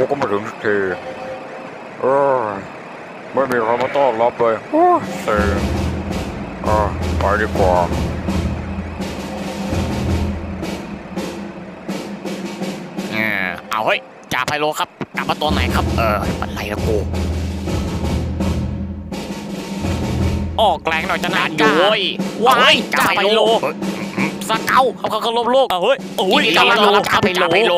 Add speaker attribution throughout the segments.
Speaker 1: ก็มาถึงสักทีเออไม่มีใครมาต้อนรับเลยโอ้เซ็งไปดีกว่า
Speaker 2: เอาเฮ้ยจ่าไพโลครับกลับมาตอนไหนครับปันไรละกูออกแรงหน่อยจะนานอยู่ว้ายจ่าไพโลสเกาเขาลบโลกเฮ้ยโอ้ยจ่าไพโล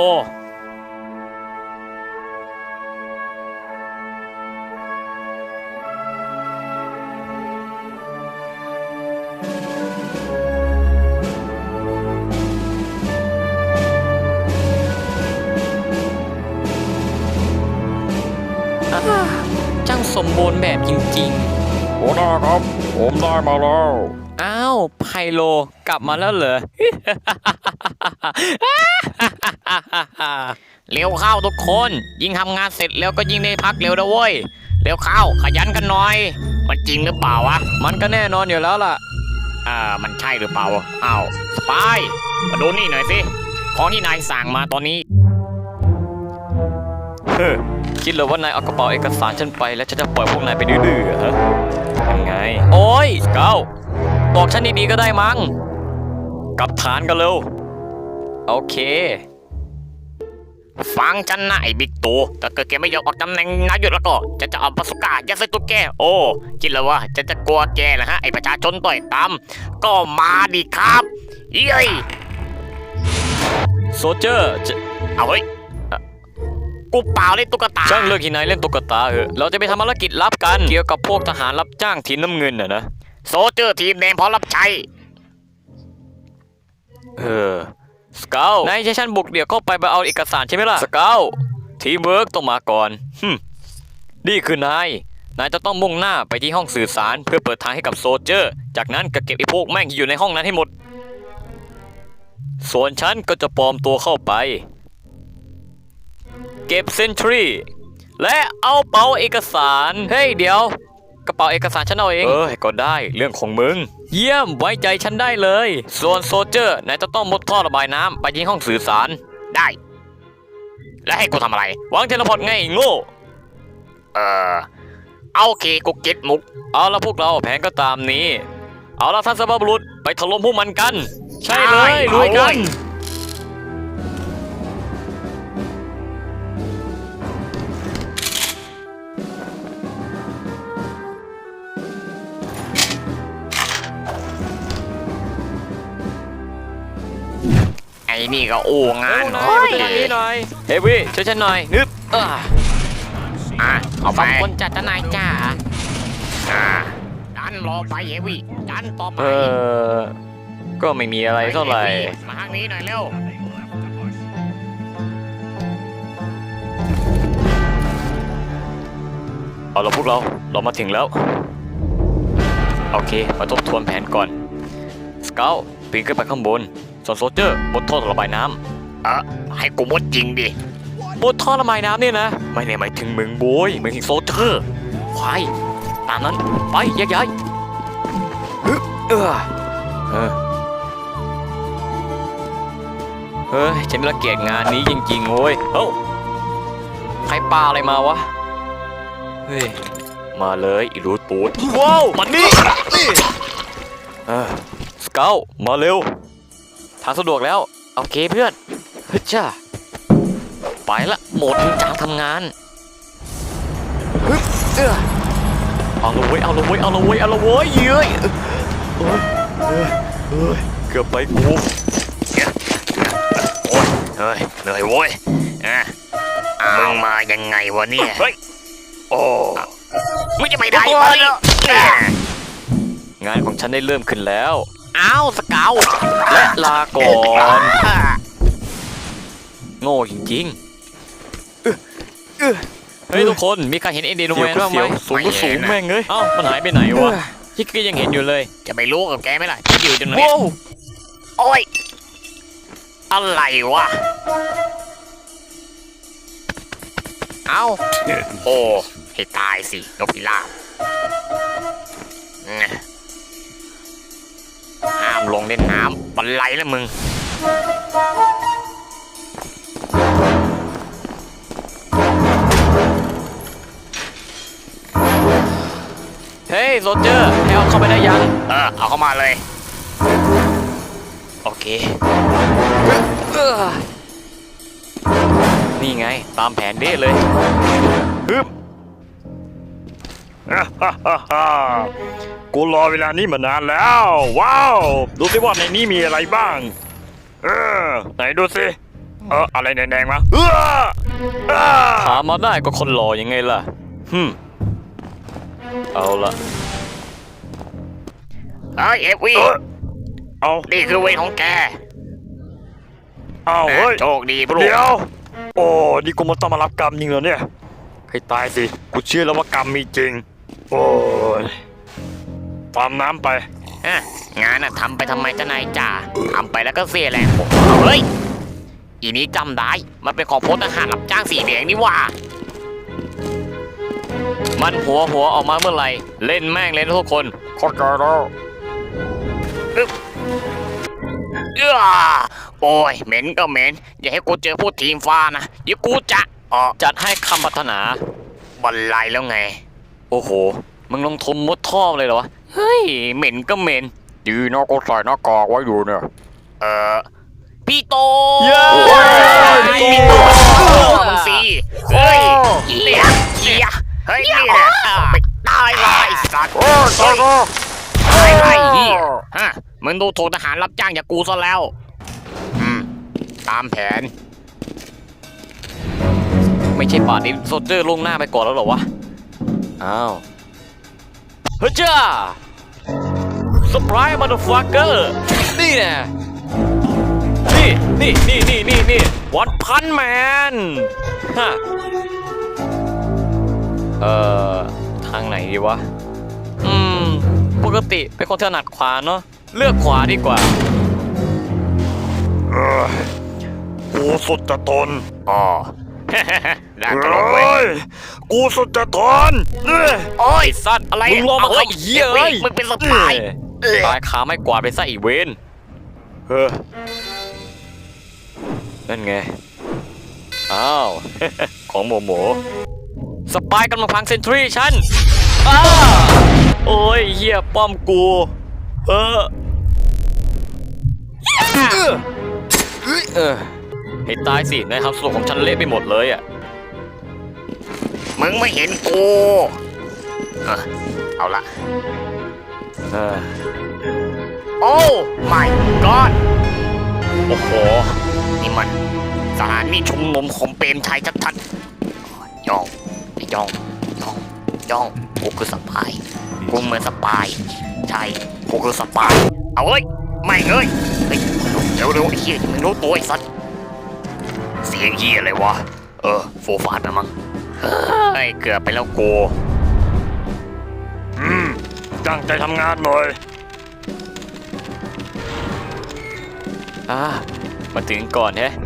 Speaker 2: ช่างสมบูรณ์แบบจริงๆ
Speaker 1: หัวหน้าครับผมได้มาแล้ว
Speaker 2: อ้าวไพโลกลับมาแล้วเหรอ เร็วเข้าทุกคนยิ่งทำงานเสร็จแล้วก็ยิ่งได้พักเร็วนะเว้ยเร็วเข้าขยันกันหน่อยมันจริงหรือเปล่าวะมันก็แน่นอนอยู่แล้วล่ะมันใช่หรือเปล่าอ้าวสปายมาดูนี่หน่อยสิของที่นายสั่งมาตอนนี้คิดเลยว่านายเอากระเป๋าเอกสารฉันไปแล้วฉันจะปล่อยพวกนายไปดื้อๆฮะยังไงโอ้ยเก้าบอกฉันดีๆก็ได้มั้งกลับฐานกันเร็วโอเคฟังฉันนะไอ้บิ๊กตู่ถ้าเกิดแกไม่ยอมออกตำแหน่งนายกแล้วก็จะเอาปาสุก้ายัดใส่ตัวแกโอ้คิดแล้วว่าจะกลัวแกนะฮะไอ้ประชาชนต่อยตามก็มาดิครับเย้ยโซเจอร์เอาเฮ้ยกูเปล่าเล่นตุ๊กตาช่างเลิกที่นายเล่นตุ๊กตาเหอะเราจะไปทำภารกิจลับกันเกี่ยวกับพวกทหารรับจ้างทีมน้ำเงินนะโซเจอร์ทีมแดงพร้อมรับใช้สเกลนายใช้ฉันบุกเดี่ยวเข้าไปเอาเอกสารใช่ไหมล่ะสเกลทีมเวิร์กต้องมาก่อนนี่คือนายจะต้องมุ่งหน้าไปที่ห้องสื่อสารเพื่อเปิดทางให้กับโซเจอร์จากนั้นก็เก็บไอ้พวกแม่งที่อยู่ในห้องนั้นให้หมดส่วนฉันก็จะปลอมตัวเข้าไปเก็บเซนทรีและเอาเป๋าเอกสารเฮ้ยเดี๋ยวกระเป๋าเอกสารฉันเอาเองก็ได้เรื่องของมึงเยี่ยมไว้ใจฉันได้เลยส่วนโซเจอร์นายจะต้องมุดท่อระบายน้ำไปที่ห้องสื่อสารได้แล้วให้กูทำอะไรวางเทเลพอร์ตไงโง่เอาโอเคกูเก็ตมุกเอาละพวกเราแผนก็ตามนี้เอาละท่านสัพบุรุษไปถล่มพวกมันกันใช่เลยลุยกันไอ้นี่ก็โอ้งานหน่อยเฮ้ยวิช่วยฉันหน่อยนึบเอาไปคนจัดทนายจ้าดันรอไปเฮวิดันต่อไปก็ไม่มีอะไรเท่าไหร่มาทางนี้หน่อยเร็วเอาละพวกเรามาถึงแล้วโอเคมาทบทวนแผนก่อนสเกลปีนขึ้นไปข้างบนส่วนโซเจอร์บนท่อระบายน้ำให้กูมดจริงดิบนท่อระบายน้ำเนี่ยนะไม่ได้หมายถึงมึงโบยหมายถึงโซเจอร์ควายตามนั้นไปแยกย้ายเฮ้ยฉันรังเกียจงานนี้จริงๆโว้ยใครปาอะไรมาวะเฮ้ยมาเลยอีรูตูดว้าวมันนี่สเกลมาเร็วทางสะดวกแล้วโอเคเพื่อนเฮ้ยจ้าไปละหมดจางทำงานเอาละเว้ยเย้ยเกือบไปกูโอ้ยเฮ้ยเหนื่อยโว้ยมึงมายังไงวะเนี่ยเฮ้ยโอ้ไม่จะไปได้วะงานของฉันได้เริ่มขึ้นแล้วอ้าวสเกลและลาก่อนโง่จริงๆเฮ้ยทุกคนมีใครเห็นเอ็นดีโนแมนบ้างไหมสูงก็สูงแม่งเลยเอ้ามันหายไปไหนวะที่ก็ยังเห็นอยู่เลยจะไปรู้กับแกไหมล่ะที่อยู่ตรงนี้โอ้ยอะไรวะเอ้าโอ้ให้ตายสินกพิราบห้ามลงเล่นน้ำบันไลแล้วมึง เเฮ้ยโซลเจอร์ให้เอาเข้าไปได้ยัง
Speaker 3: เอาเข้ามาเลย
Speaker 2: โอเคนี่ไงตามแผนเด้เลยฮึบ
Speaker 1: กูรอเวลานี้มานานแล้ว ว้าว ดูสิว่าในนี้มีอะไรบ้าง ไหนดูสิ อะไรแดงๆมา
Speaker 2: หามาได้ก็คนหล่อยังไงล่ะเอาละ
Speaker 3: เฮ้ยเอฟวี
Speaker 1: เอา
Speaker 3: นี่คือเวรของแก
Speaker 1: เอาเฮ้ย
Speaker 3: โชคดีพวก
Speaker 1: เดี๋ยว โอ้นี่กูมาต้องมารับกรรมจริงเหรอเนี่ย ให้ตายสิ กูเชื่อแล้วว่ากรรมมีจริง โอ้ยตามน้ำไป
Speaker 3: งานน่ะทำไปทำไมเจ้านายจ่าทำไปแล้วก็เสียแรงผมเฮ้ยอีนี้จำได้มันเป็นของพลทหารรับจ้างสีแดงนี่หว่า
Speaker 2: มันหัวออกมาเมื่อไหร่เล่นแม่งเลยนะทุกคน
Speaker 1: เข้าใจแล้ว
Speaker 3: โอ้ยเหม็นก็เหม็นอย่าให้กูเจอพวกทีมฟ้านะเดี๋ยวกูจะ
Speaker 2: จัดให้คำพัฒนา
Speaker 3: บันไลแล้วไง
Speaker 2: โอ้โหมึงลงทุนมุดท่อเลยเหรอวะเฮ้ยเหม็นก็เหม็น
Speaker 1: ดีนะกูใส่หน้ากากไว้อยู่เนี่ย
Speaker 3: พี่โต
Speaker 2: เย้
Speaker 3: พี่โตมึงสิเฮ้ยเฮียเฮ้ยนี่แหละไปตายเลยสัตว์ตายไอ้เฮียฮะมึงดูถูกทหารรับจ้างจากกูซะแล้วตามแผน
Speaker 2: ไม่ใช่ป่านนี้โซลเจอร์ลงหน้าไปก่อนแล้วเหรอวะอ้าวเฮ้ยจ้าเซอร์ไพรส์มาเดอะฟักเกอร์นี่แน่นี่วันพันแมนฮะทางไหนดีวะปกติเป็นคนถนัดขวาเนาะเลือกขวาดีกว่า
Speaker 1: กูสุดจะทน
Speaker 3: ด่าตลกเว้ย
Speaker 1: กูสุดจะทน
Speaker 3: โอ้ยสัตว์อะไร
Speaker 2: มึงลงมาเข้าเหี้ยเอ้ย
Speaker 3: มึงเป็นสปาย
Speaker 2: ตายขาไม่กวาดไปซะอีกเวนนั่นไงอ้าว ของโมสปายกำลังพังเซนทรีฉันโอ้ยเหี้ยป้อมกูให้ตายสินายทำสรุปของฉันเละไปหมดเลยอ่ะ
Speaker 3: มึงไม่เห็นกูเอาละโอ้ไม่ก็อด
Speaker 2: โอ้โห
Speaker 3: นี่มันสถานีชุมนุมของเปรมชัยชัดๆย่องกูคือสปายกูเหมือนสปายใช่กูคือสปายเอาเว้ยไม่เอ้ยเร็วไอ้เหี้ยมึงรู้ตัวไอ้สัตว์เสียงเหี้ยอะไรวะโฟฟาดนะมั้งเฮ้ยเกือบไปแล้วกู
Speaker 1: ตั้งใจทำงานหน่อย
Speaker 2: มาถึงก่อนแฮะ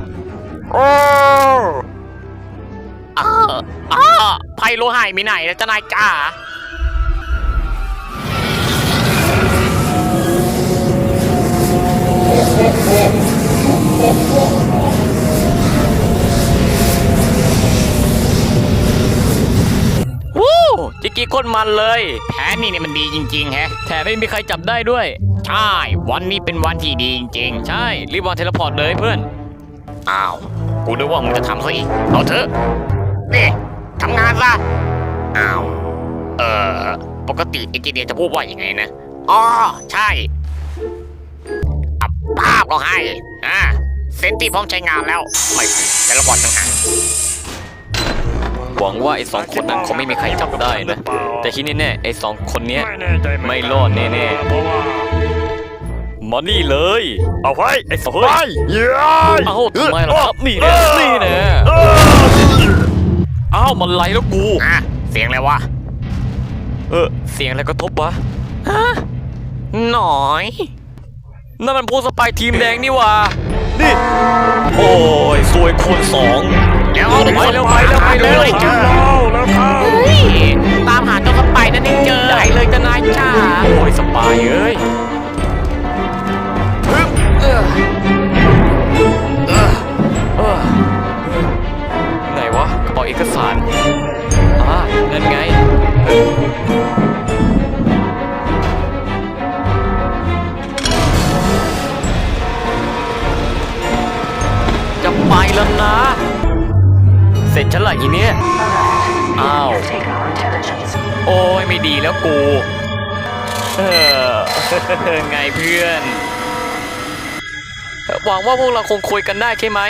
Speaker 3: ไพโลหายมีไหนแล้วจะนายจ้า
Speaker 2: จิกกี้คนมันเลย
Speaker 3: แผนนี่เนี่ยมันดีจริงๆแฮะ
Speaker 2: แถมไม่มีใครจับได้ด้วย
Speaker 3: ใช่วันนี้เป็นวันที่ดีจริง
Speaker 2: ใช่รีบวางเทเลพอร์ตเลยเพื่อน
Speaker 3: ๆอ้าวกูนึกว่ามึงจะทำซะอีกเอาเถอะนี่ทำงานซะอ้าวปกติเอนจิเนียร์จะพูดว่าอย่างไงนะอ๋อใช่อับภาพก็ให้เซนตี้พร้อมใช้งานแล้วไม่แต่ละบอดต่างหาก
Speaker 2: หวังว่าไอ้สองคนนั้นคงไม่มีใครจับได้นะ แต่ที่แน่ๆไอ้สองคนเนี้ย
Speaker 1: ไม่แน่ใจเหนกัน
Speaker 2: ไม่รอดแน่ๆ
Speaker 1: เพราะว่า
Speaker 2: มานี่เลย
Speaker 1: เอาไว้ไอ้สปายเย้ย
Speaker 2: เอ้าทำไมล่ะครับนี่แน่อ้าวมันไหลแล้วกู
Speaker 3: เสียงอะไรวะ
Speaker 2: เสียงอะไรกระทบวะหน่อยนั่นมันผู้สปายทีมแดงนี่วะนี่โอ้ยซวยคูณสอง
Speaker 3: เดี๋ยว
Speaker 2: ไปเร็ว
Speaker 3: เจอตามหาเจ้าสไปนั่นนี่เจอได้เลยจะนายจ้า
Speaker 2: โอ้ยสปายเอ้ยไหนวะกระเป๋าเอกสารนั่นไงทีเนี้ยอ้าว โอ้ยไม่ดีแล้วกูเออ ไงเพื่อน หวังว่าพวกเราคงคุยกันได้ใช่ไหม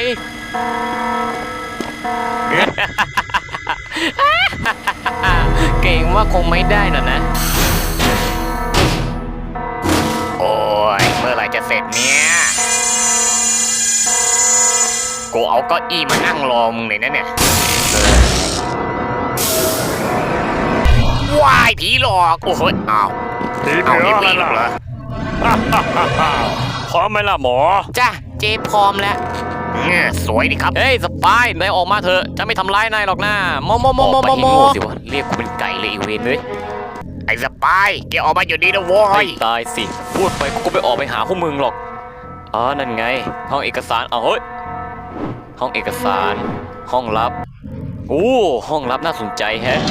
Speaker 2: เก่งว่าคงไม่ได้น่ะนะ
Speaker 3: โอ้ยเมื่อไหร่จะเสร็จเนี่ยกูเอาเก้าอี้มานั่งรอมึงเลยนะเนี่ยว้ายผีหลอกโอ้โหอ้าว
Speaker 1: ผี
Speaker 3: เอา
Speaker 1: เผื
Speaker 3: นี่
Speaker 1: อ
Speaker 3: ผี
Speaker 1: อะไร
Speaker 3: หลอกเหร
Speaker 1: ล่ะ
Speaker 3: อ
Speaker 1: พร้อมไหมล่ะหมอ
Speaker 2: จ้ะเจพร้อมแล้ว
Speaker 3: สวยดีครับ
Speaker 2: เฮ้ยสปายนายออกมาเถอะจะไม่ทำร้ายนายหรอกนะโมออกไปให้โง่สิวะเรียกกูเป็นไก่เลยอีเวนเลย
Speaker 3: ไอ้สปายแกออกมาอยู่ดีนะโว้
Speaker 2: ให้
Speaker 3: ย
Speaker 2: ตายสิพูดไปกูก็ไปออกไปหาพวกมึงหรอกอ๋อนั่นไง ห้องเอกสารเอาเฮ้ยห้องเอกสาร ห้องลับอู้ห้องลับน่าสนใจแฮะ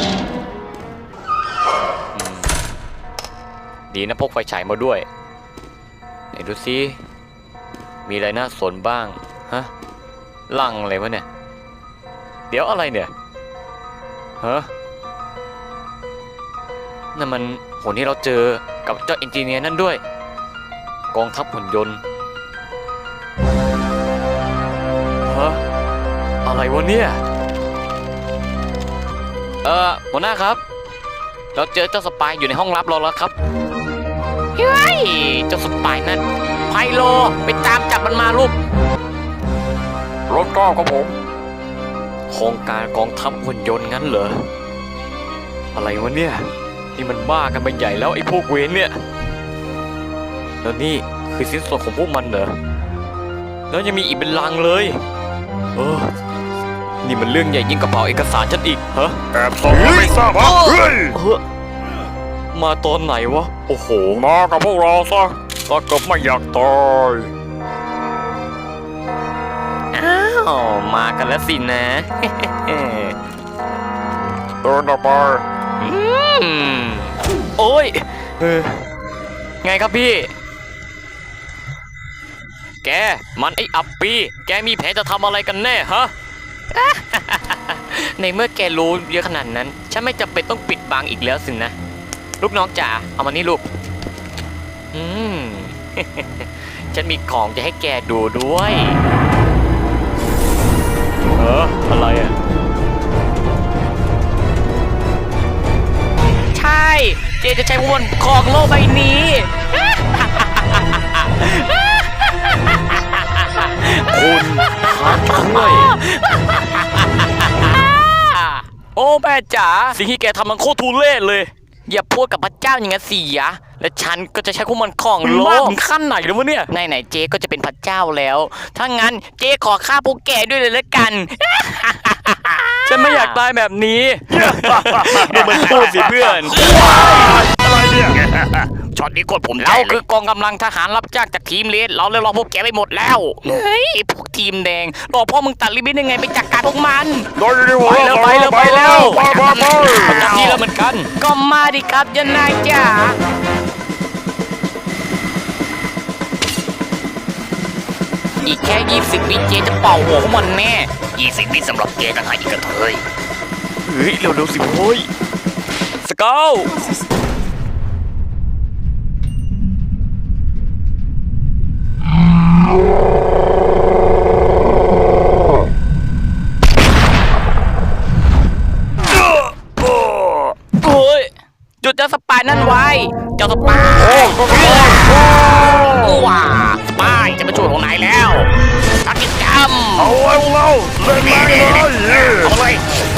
Speaker 2: ดีนะพกไฟฉายมาด้วยไหนดูซิมีอะไรน่าสนบ้างฮะลังอะไรวะเนี่ยเดี๋ยวอะไรเนี่ยฮะนั่นมันหุ่นที่เราเจอกับเจ้าเอนจิเนียร์นั่นด้วยกองทัพหุ่นยนต์ฮะอะไรวะเนี่ยหัวหน้าครับเราเจอเจ้าสปายอยู่ในห้องลับเราแล้วครับเฮ้ยเจ้าสปายนั่นไพโลไปตามจับมันมาลูก
Speaker 1: รถก้าวครับผม
Speaker 2: โครงการกองทัพหุ่นยนต์งั้นเหรออะไรวะเนี่ยนี่มันบ้ากันไปใหญ่แล้วไอ้พวกเวนเนี่ยแล้วนี่คือสิ้นส่วนของพวกมันเหรอแล้วยังมีอีกเป็นลังเลยนี่มันเรื่องใหญ่ยิ่งกระเป๋าเอกสารฉันอีกฮะ
Speaker 1: แอบส่องแล้วไม่ทราบฮะเฮ้ย
Speaker 2: มาตอนไหนวะโอ้โห
Speaker 1: มากับพวกเราซะถ้าเกิดไม่อยากตาย
Speaker 2: อ้าวมากันแล้วสินะ
Speaker 1: เดินออกไป
Speaker 2: โอ้ยไงครับพี่ แกมันไอ้อับปีแกมีแผนจะทำอะไรกันแน่ฮะ ในเมื่อแกรู้เยอะขนาดนั้นฉันไม่จำเป็นต้องปิดบังอีกแล้วสินะลูกน้องจ๋าเอามานี่ลูก ฉันมีของจะให้แกดูด้วยอะไรอ่ะใช่เจจะใช้วนของโลกใบนี้ คุณพระช่วยโอ้แม่จ๋าสิ่งที่แกทำมันโคตรทุเรศเลยอย่าพูดกับพระเจ้าอย่างนั้นสิยะและฉันก็จะใช้พวกมันของโลกถึงขั้นไหนแล้ววะเนี่ยไหนเจก็จะเป็นพระเจ้าแล้วถ้างั้นเจขอฆ่าพวกแกด้วยเลยละกัน ฉันไม่อยากตายแบบนี้ ดูมันพูดสิเพื่อน
Speaker 1: อะไรเนี่ย
Speaker 3: ช็อตนี้กดผมใจ
Speaker 2: เรา
Speaker 3: เล
Speaker 2: คื
Speaker 3: ย
Speaker 2: อกองกำลังทหารรับจ้างจากทีมเลดเราเลยรอพวกแกไปหมดแล้วเฮ้ยพวกทีมแดงรอพ่อมึงตัดลิมิตยังไงไปจัดการพวกมัน
Speaker 1: โดนดีหัว
Speaker 2: ไปแล้วไปแล้วไปแล้ว
Speaker 1: ไป
Speaker 2: ประจำที่แล้วเหมือนกัน ก็มาดิครับยานายจ๋าอีกแค่20 วิเจจะเป่าหัวพวกมันแน่
Speaker 3: 20 วิสำหรับแกกันหาอีกกระเทย
Speaker 2: เฮ้ยเร็วๆสิโว้ยสเกลโอ้ยหยุดเจ้าสปายนั่นไว้เจ้าสปาย
Speaker 3: ว้าสปายจะมาช่วยของนายแล้วทักกิจกรรม
Speaker 1: เอาไว้พวกเราเล่นแม่งเลย
Speaker 3: เอาเลย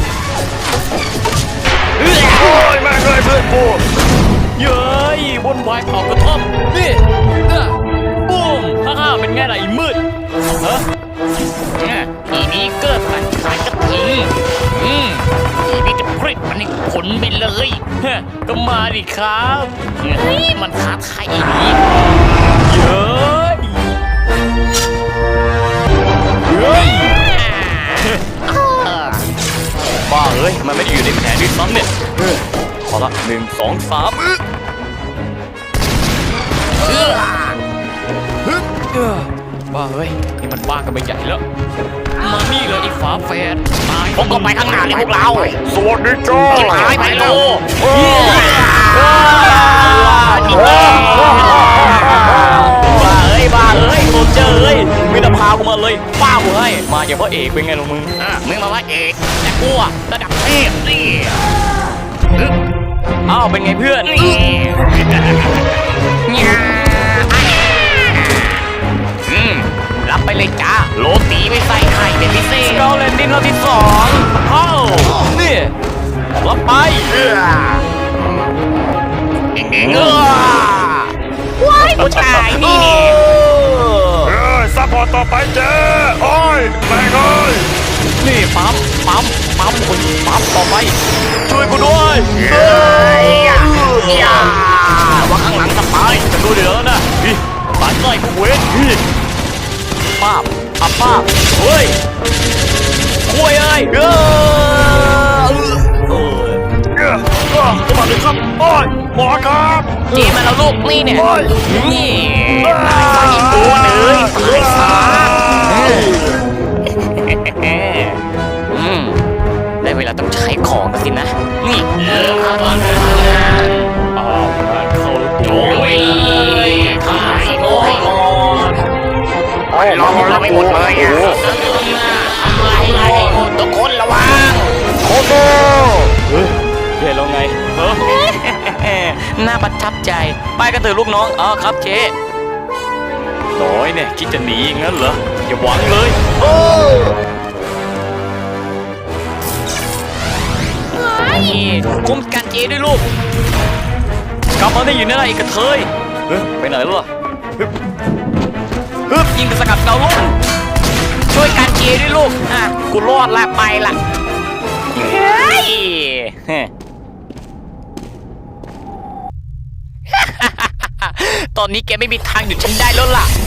Speaker 1: โอ้ยแม่งเลยเพื่อนกู
Speaker 2: เย้ยบนวายเขากระท่อมนี่บูมฮ่าเป็นไงล่ะไอ้มืดฮะ
Speaker 3: ทีนี้เกิดการขายกระทิงทีนี้จะพริกมันให้ขนไปเลย
Speaker 2: ฮะก็มาดิครับ
Speaker 3: เฮ้ยมันท้าทายอีนี้
Speaker 2: เย้ยเฮ้ยบ้าเอ้ยมันไม่ได้อยู่ในแผนด้วยซ้ำเนี่ยขอละ1 2 3 บ้าเฮ้ยนี่มันบ้ากันไปใหญ่แล้วมานี่เลยไอ้ฝาแฝดตาย
Speaker 3: ผมก็ไปข้างหน้าเลยพวกเรา
Speaker 1: สวัสดีจ้า
Speaker 3: จิบหายไปโล
Speaker 2: บ้าเอ้ยโซเจอร์เอ้ยมีแต่พากูมาเลยป้ากูให้มาอย่างพระเอกเป็นไงล่ะมึง
Speaker 3: มึงมาว่าเอกแต่กูอะระดับเทพนี่
Speaker 2: อ้าวเป็นไงเพื่อน
Speaker 3: รับไปเลยจ้าโรตีไม่ใส่ไข่เป็นพิเศษ
Speaker 2: สเกลเลนดิ้งรอบที่2เข้านี่รับไป
Speaker 3: เก่งว้ายผู้ชายนี่นี่
Speaker 1: ซัพพอร์ตต่อไปเจ้โอ้ยแม่งเอ้ย
Speaker 2: นี่ปั๊มคนปั๊มต่อไป ช่วยกูด้วย
Speaker 3: ว่าข้างหลังสบาย
Speaker 2: จะดูเดี๋ยวนะพี่ตายต่อยพวกเวทพี่ป้าบป้าบเฮ้ยคุยเอ้ย
Speaker 1: สวัสดีครับโอ้ยหมอครับ
Speaker 3: เจมาแล้วลูกนี่เนี่ย
Speaker 1: โอ้ย
Speaker 3: นี่ตายตัวเลยตายซะได้เวลาต้องใช้ของกันสินะนี่
Speaker 2: อ้าวงานเข้าโจ้ย
Speaker 3: ขายโอ้ยรอเราไม่หมดเลยอ่ะทุกคนระวัง
Speaker 1: โอ้โห
Speaker 2: เจ๊แล้วไงน่าประทับใจไปกันเถอะลูกน้องอ๋อครับเจ๊น้อยเนี่ยคิดจะหนีงั้นเหรออย่าหวังเลย
Speaker 3: นี่คุ้มกันเจด้วยลูก
Speaker 2: กลับมาได้อยู่ในไรอีกกระเทยไปไหนล่ะฮึบยิงกระสกัดเกาลุ่ม
Speaker 3: ช่วยกันเจด้วยลูกอ่ะกูรอดละไปละเฮ้ย ตอนนี้แกไม่มีทางหยุดฉันได้แล้วล่ะ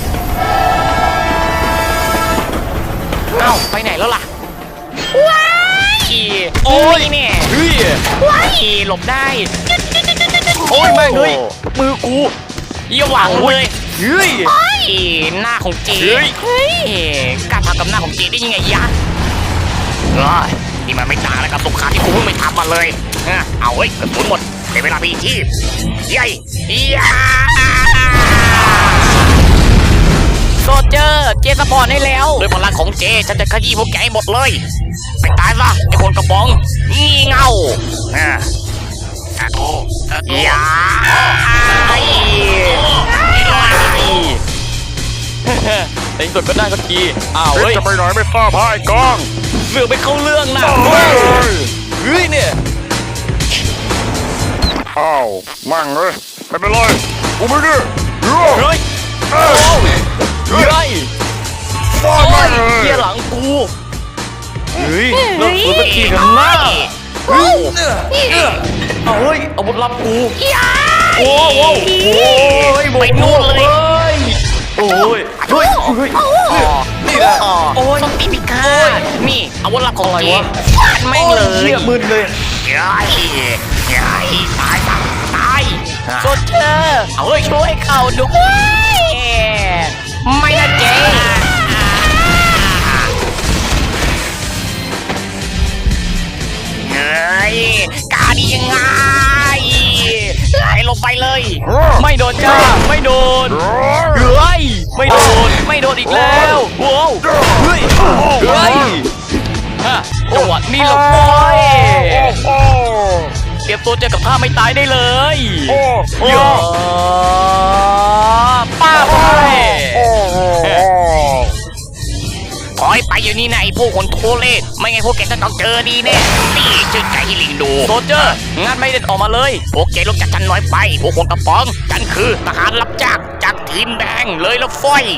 Speaker 3: เอ้าไปไหนแล้วล่ะว้ายโอ้ยเนี่ย
Speaker 2: เฮ้ย
Speaker 3: ว้ายหลบได้
Speaker 2: โอ้ยแม่งเฮ้ยมือกู
Speaker 3: อย่าหวังเลย
Speaker 2: เฮ้ย
Speaker 3: เฮ้ยหน้าของเจ
Speaker 2: เฮ้ย
Speaker 3: เฮ้ยกล้าทำกับหน้าของเจได้ยังไงยะนี่มันไม่ต่างอะไรกับสงครามที่กูเพิ่งไปทำมาเลยเอาเฮ้ยกระสุนหมดเป็นเวลาพีชีพยัยยาโซเจอร์เจสปอร์ตให้แล้วด้วยพลังของเจฉันจะขยี้พวกแกให้หมดเลยไปตายซะไอ้คนกระบองงี่เง่าอย่า
Speaker 2: ในที่สุดก็ได้สักทีอ้าวเฮ้ย
Speaker 1: จะไปไหนไม่ทราบพายกอง
Speaker 2: เสือกไปเข้าเรื่องนะ
Speaker 1: เฮ้ย
Speaker 2: เฮ้ยเนี่ย
Speaker 1: อ้าวมั่งเลยไม่เป็นไรกูไม่ดื้อ
Speaker 2: เฮ้ย
Speaker 1: เอ้ย
Speaker 2: เฮ้ย
Speaker 1: ฟาด
Speaker 2: โอ้
Speaker 1: มั่
Speaker 2: ย
Speaker 1: งเลย
Speaker 2: เหี้ยหลังกูเฮ้ยเลิกฟื้นสักทีกันหน้าเฮ้ยเอาเฮ้ยอาวุธลับกูโอ้โหโอ้ย
Speaker 3: ไปนู่นเลย
Speaker 2: โอ้ยเฮ้ยเฮ้ยนี่แหละโอ้ย
Speaker 3: ส้นตีนพิฆาตนี่อาวุธลับของเจ
Speaker 2: อะไรวะ
Speaker 3: ฟาดไม่งเลย
Speaker 2: เหี้ยมึนเลย
Speaker 3: ยัยตายตายโซเจอร์เอาเฮ้ยช่วยเขาด้วยไม่นะเจเฮ้ยกล้าดียังไงให้ลงไปเลย
Speaker 2: ไม่โดนจ้าไม่โดนเฮ้ยไม่โดนไม่โดนอีกแล้วโว้วเฮ้ยเฮ้ยฮะจังหวะนี้หลบโอ้ย
Speaker 1: โอ้
Speaker 2: เตรียมตัวเจอกับท่าไม่ตายได้เลย
Speaker 1: โอ้
Speaker 2: โยป้าไป
Speaker 3: ถอยไปอยู่นี่นะไอ้พวกคนโทเล่ไม่ไงพวกแกจะต้องเจอดีแน่นี่ชื่อใจให้ลิงดู
Speaker 2: โซเจอร์งานไม่เด็ดออกมาเลย
Speaker 3: พวกแกลงจากฉันน้อยไปพวกคนกระป๋องฉันคือทหารรับจ้างจากทีมแดงเลยละฝ้อย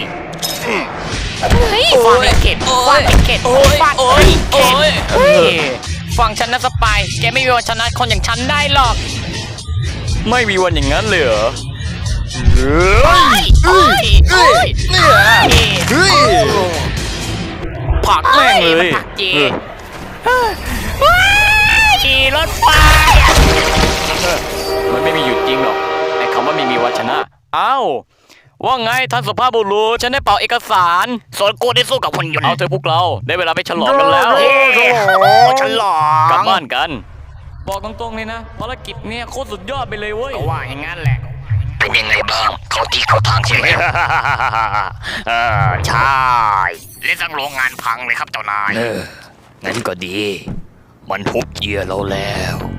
Speaker 3: ฟาดไอ้เข็ดฟาดไอ้เข็ดฟาดไอ้เข็ดเฮ้ยฟังฉันนะสปายแกไม่มีวันชนะคนอย่างฉันได้หรอก
Speaker 2: ไม่มีวันอย่างนั้นเลยเหรอ
Speaker 3: เฮ้ยเฮ้ยเฮ้ย
Speaker 2: เนี่ยเฮ้ยผักแม่งเลย
Speaker 3: ผักเจขี่รถไฟ
Speaker 2: มันไม่มีอยู่จริงหรอกไอ้คำว่าไม่มีวันชนะอ้าวว่าไงท่านสุภาพบุรุษฉันได้เป่าเอกสาร
Speaker 3: ส่วนกูได้สู้กับหุ่นยนต์
Speaker 2: เอาเถอะพวกเราได้เวลาไปฉลองกันแล้ว
Speaker 3: เย้ฉลอง
Speaker 2: กลับบ้านกัน บอกตรงๆเลยนะภารกิจเนี่ยโคตรสุดยอดไปเลยเว้ย
Speaker 3: ก็ว่าอย่างนั้นแหละ เป็นยังไงบ้าง เขาที่เขาทางใช่ไหม ใช่เล่นทั้งโรงงานพังเลยครับเจ้านาย
Speaker 2: งั้นก็ดี มันฮุบเหยื่อเราแล้ว